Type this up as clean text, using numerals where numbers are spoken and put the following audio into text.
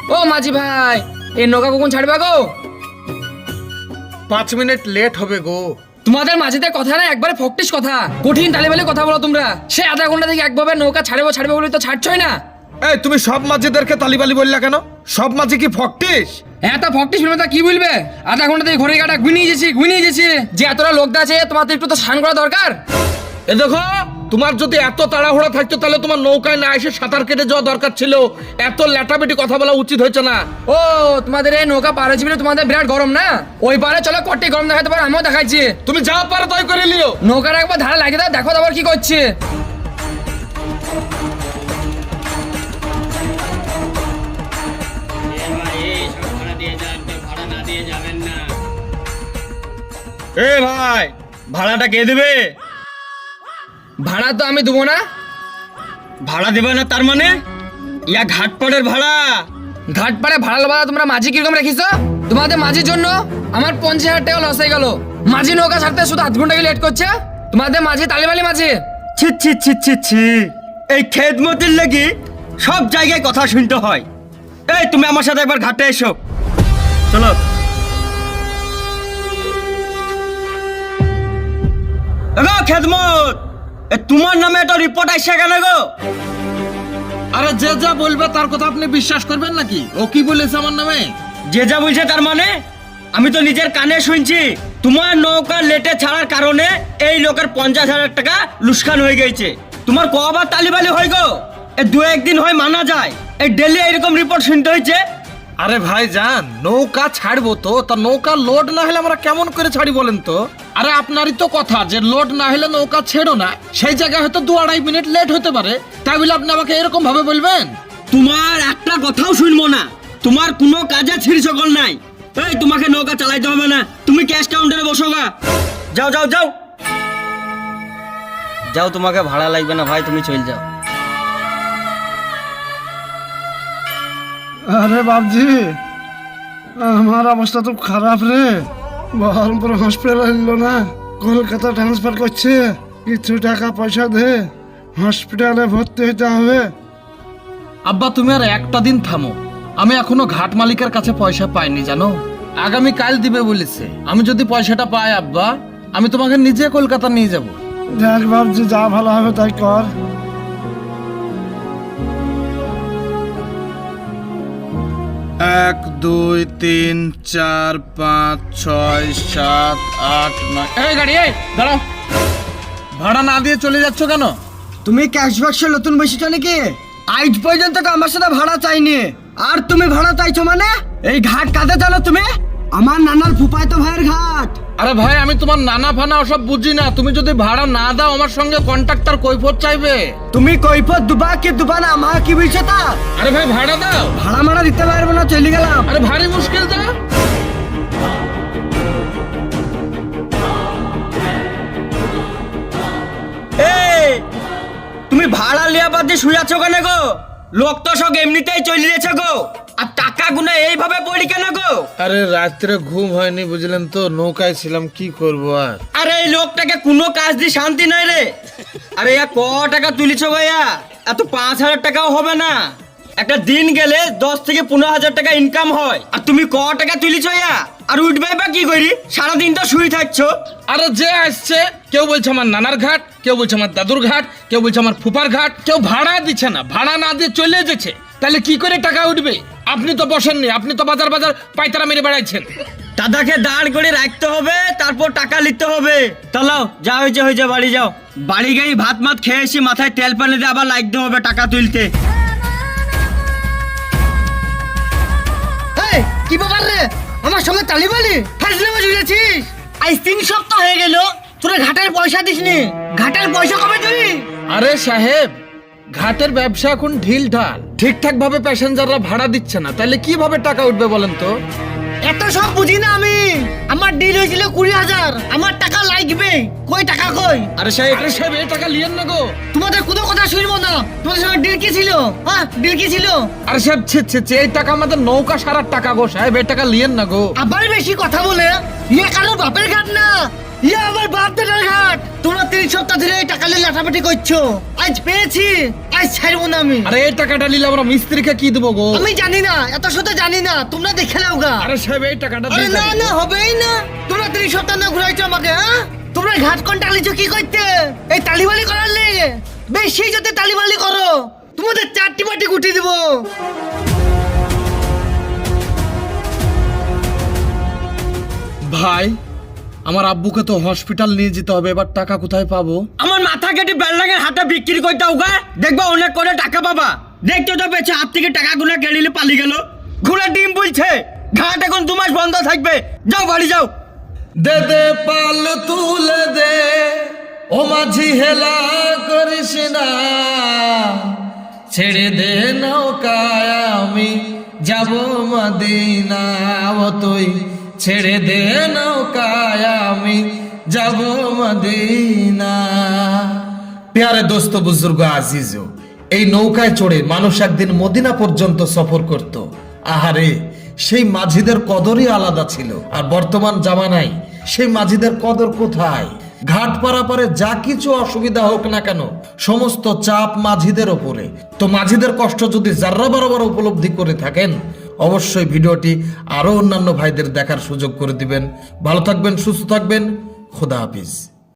ও মাঝি ভাই, এই নৌকা কখন ছাড়বে গো? 5 মিনিট লেট হবে গো। তোমাদের মাঝিদের কথা না একবারে ফকটিস কথা, কঠিন তালেবালি কথা বলো তোমরা। সে আধা ঘন্টা থেকে একভাবে নৌকা ছাড়বে বলে তো ছাড়ছই না। এই তুমি সব মাঝিদেরকে তালিবালি বললা কেন? সব মাঝি কি ফকটিস? হ্যাঁ, তা ফকটিস বলবে তা কি বলবে? আধা ঘন্টা থেকে ঘড়ি কাটা ঘুমিয়ে গেছি যে এতটা লোক আছে, তোমার তো একটু তো স্নান করা দরকার। এ দেখো, তোমার যদি এত তাড়াহুড়া থাকতো তাহলে তোমার নৌকায় না এসে সাঁতার কেটে যাওয়া দরকার ছিল। এত ল্যাটাবেটি কথা বলা উচিত হয়েছে না। ও, তোমাদের এই নৌকা পার হয়েছে বলে তোমাদের বিরাট গরম না? ওই পারে চলো, কটি গরম দেখাতে পারো, আমিও দেখাচ্ছি। তুমি যা পারো তাই করে লিও। নৌকার একবার ধারা লাগিয়ে দাও, দেখো আবার কি করছে। এ ভাই, ভাড়াটা কে দেবে? ভাড়া তো আমি দেবো না। ভাড়া দেবে না তার মানে? ইয়া ঘাটপাড়ের ভাড়া। ঘাট পাড়ে ভাড়া লবা তোমরা মাঝি কিরকম রেখিছো? তোমাদের মাঝির জন্য আমার 50,000 টাকা লস হয়ে গেল। মাঝি নৌকা ছাড়তে শুধু 8 ঘন্টা লেট করছে। তোমাদের মাঝি তালিবালি মাঝি। ছি ছি ছি ছি ছি, এই খেদমতির লাগি সব জায়গায় কথা শুনতে হয়। এই তুমি আমার সাথে একবার ঘাটে এসো, চলো। এগো খেদমত, তোমার নামে একটা রিপোর্ট আসছে কেন গো? আরে যে যা বলবে তার কথা আপনি বিশ্বাস করবেন নাকি? ও কি বলেছে আমার নামে? যে যা বলছে তার মানে? আমি তো নিজের কানে শুনছি তোমার নৌকা লেটে ছাড়ার কারণে এই লোকের 50,000 টাকা লুসকান হয়ে গেছে। তোমার কবার তালিবালি হয় গো? এই 2-1 দিন হয় মানা যায়, এই ডেলি এরকম রিপোর্ট শুনতে হয়েছে। আরে ভাই জান, নৌকা ছাড়বো তো, তা নৌকা লোড না হলে আমরা কেমন করে ছাড়ি বলেন তো? আরে আপনারই তো কথা যে লোড না হলে নৌকা ছেড়ো না, সেই জায়গায় হয়তো 2-2.5 মিনিট লেট হতে পারে, তাই বলে আপনি আমাকে এরকম ভাবে বলবেন? তোমার একটা কথাও শুনবো না, তোমার কোনো কাজে ছিঁড়ি সকল নাই। এই তোমাকে নৌকা চালাইতে হবে না, তুমি ক্যাশ কাউন্টারে বসো গা। যাও যাও যাও যাও, তোমাকে ভাড়া লাগবে না ভাই, তুমি চলে যাও। আরে বাবজি, আমার অবস্থা তো খারাপ রে। বহরমপুর হসপিটাল এলো না, কলকাতা ট্রান্সফার করছে। কিছু টাকা পয়সা দে, হসপিটালে ভর্তি হইতে হবে। আব্বা তুমি আর একটা দিন থামো, আমি এখনো ঘাট মালিকের কাছে পয়সা পাইনি জানো। আগামী কাল দিবে বলেছে। আমি যদি পয়সাটা পাই আব্বা, আমি তোমাকে নিজে কলকাতা নিয়ে যাব। দেখ বাবজি, যা ভালো হবে তাই কর। 1 2 3 4 5 6 7 8 9। এই গাড়ি, এই দাঁড়াও। ভাড়া না দিয়ে চলে যাচ্ছ কেন? তুমি ক্যাশব্যাক্সে নতুন বসেছো নাকি? আজ পর্যন্ত তো আমার সাথে ভাড়া চাইনি, আর তুমি ভাড়া চাইছো মানে? এই ঘাট কাঁদে জানো তুমি? আমার নানার ফুফায়তো ভাইয়ের ঘাট। আরে ভাই, আমি তোমার নানা ফানা ওসব বুঝি না। তুমি যদি ভাড়া না দাও আমার সঙ্গে কন্ট্রাক্টর কৈফত চাইবে। তুমি কৈফত দুবা কি দুবা না, আমার কি বলছো তা? আরে ভাই ভাড়া দাও। ভাড়া মারা দিতে পারবো না, চলে গেলাম। আরে ভারী মুশকিল তো। এই তুমি ভাড়া লিয়া বাদ দিয়ে শুয়ে আছো কেন গো? লোক তো সব এমনিতেই চলে গেছে গো, আর টাকা গুনা এইভাবে পড়ি কেন গো? আরে রাত্রে ঘুম হয়নি বুঝলেন তো, নৌকায় ছিলাম, কি করবো আর। আরে এই লোকটাকে কোনো কাজ দিয়ে শান্তি নাই রে। আরে ইয়া ক টাকা তুলিছ ভাইয়া? এত 5,000 টাকাও হবে না। একটা দিন গেলে 10 থেকে 15,000 টাকা ইনকাম হয়, আর তুমি ক টাকা তুলিছ ইয়া? আর উঠবে বা কি করি? সারাদিন তো শুয়ে থাকছো। আরে যে আসছে, কেউ বলছে আমার নানার ঘাট, কেউ বলছে আমার দাদুর ঘাট, কেউ বলছে আমার ফুপার ঘাট, কেউ ভাড়া দিচ্ছে না, ভাড়া না দিয়ে চলে যেছে। তাহলে কি করে টাকা উঠবে? আপনি তো বসেননি, আপনি তো বাজার বাজার পায়তারা মেরে বেড়াইছেন। দাদাকে দাঁড় করে রাখতে হবে, তারপর টাকা নিতে হবে। চলো, যা হয়েছে বাড়ি যাও। বাড়ি গিয়ে ভাত মাত খেয়ে এসে মাথায় তেল পানি দিয়ে আবার লাগতে হবে টাকা তুলতে। কি ব্যাপার রে? আমার সঙ্গে তালিবালি ফাজলামো জুড়েছিস? আজ 3 সপ্তাহ হয়ে গেল তোরা ঘাটের পয়সা দিসনি। ঘাটের পয়সা কবে দিবি? আরে সাহেব, ঘাটের ব্যবসা এখন ঢিল ঢাল, ঠিকঠাক ভাবে প্যাসেঞ্জাররা ভাড়া দিচ্ছে না, তাহলে কিভাবে টাকা উঠবে বলেন তো? এত সব বুঝি না আমি। আমার ডিল হয়েছিল 20,000, আমার টাকা লাগবে। কই টাকা কই? আরে সাহেব, এই টাকা লিয়েন না গো। তোমাদের কোনো কথা শুনবো না। তোমাদের সঙ্গে ডিল কি ছিল? হ্যাঁ, ডিল কি ছিল? আরে সাহেব, এই টাকা আমাদের নৌকা সারার টাকা গো সাহেব, এই টাকা লিয়েন না গো। আবার বেশি কথা বলে ইয়ে কারো বাপের ঘাট না, ইয়া আমার বাপ দাদার ঘাট। তোমরা 3 সপ্তাহ ধরে এই টাকা নিয়ে লাটাপাটি করছো, আজ পেয়েছি, আজ ছাড়বো না আমি। আরে এই টাকাটা নিলে আমরা মিস্ত্রিকে কি দেবো গো? আমি জানি না, এত শত জানি না, তোমরা দেখে নাও গা। আরে সাহেব এই টাকাটা আরে দিয়ে না দেন। না, হবেই না। তোমরা 3 সপ্তাহ না ঘুরাইছো আমাকে, হ্যাঁ? তোমরা ঘাট কোন টালিছো কি করতে? এই তালিবালি করার লেগে বেশি যদি তালিবালি করো তোমাদের 4টি বাটি গুটি দিব। ভাই আমার আব্বুকে তো হসপিটাল নিয়ে যেতে হবে, এবার টাকা কোথায় পাবো? আমার মাথা কেটে বেলডাঙের হাতে বিক্রি করতে হোক, দেখবা অনেক করে টাকা পাবা। দেখতে তো পেয়েছে হাত থেকে টাকা গুলো কেড়ে পালিয়ে গেল। ঘোড়া ডিম বলছে ঘাট এখন 2 মাস বন্ধ থাকবে। যাও বাড়ি যাও। দে দে পাল তুলে দে, ও মাঝি হেলা করিস না, ছেড়ে দে নৌকায় আমি যাব মদিনা। ও তুই ছেড়ে দে নৌকায় আমি যাব মদিনা। প্যারে দোস্ত বুজুর্গ আজিজো, এই নৌকায় চড়ে মানুষ একদিন মদিনা পর্যন্ত সফর করত। আহারে সেই মাঝিদের কদরই আলাদা ছিল, আর বর্তমান জামানায় সেই মাঝিদের কদর কোথায়? ঘাট পারাপারে যা কিছু অসুবিধা হোক না কেন সমস্ত চাপ মাঝিদের ওপরে। তো মাঝিদের কষ্ট যদি যার্রা বরাবর উপলব্ধি করে থাকেন, অবশ্যই ভিডিওটি আরো অন্যান্য ভাইদের দেখার সুযোগ করে দিবেন। ভালো থাকবেন, সুস্থ থাকবেন, খোদা হাফিজ।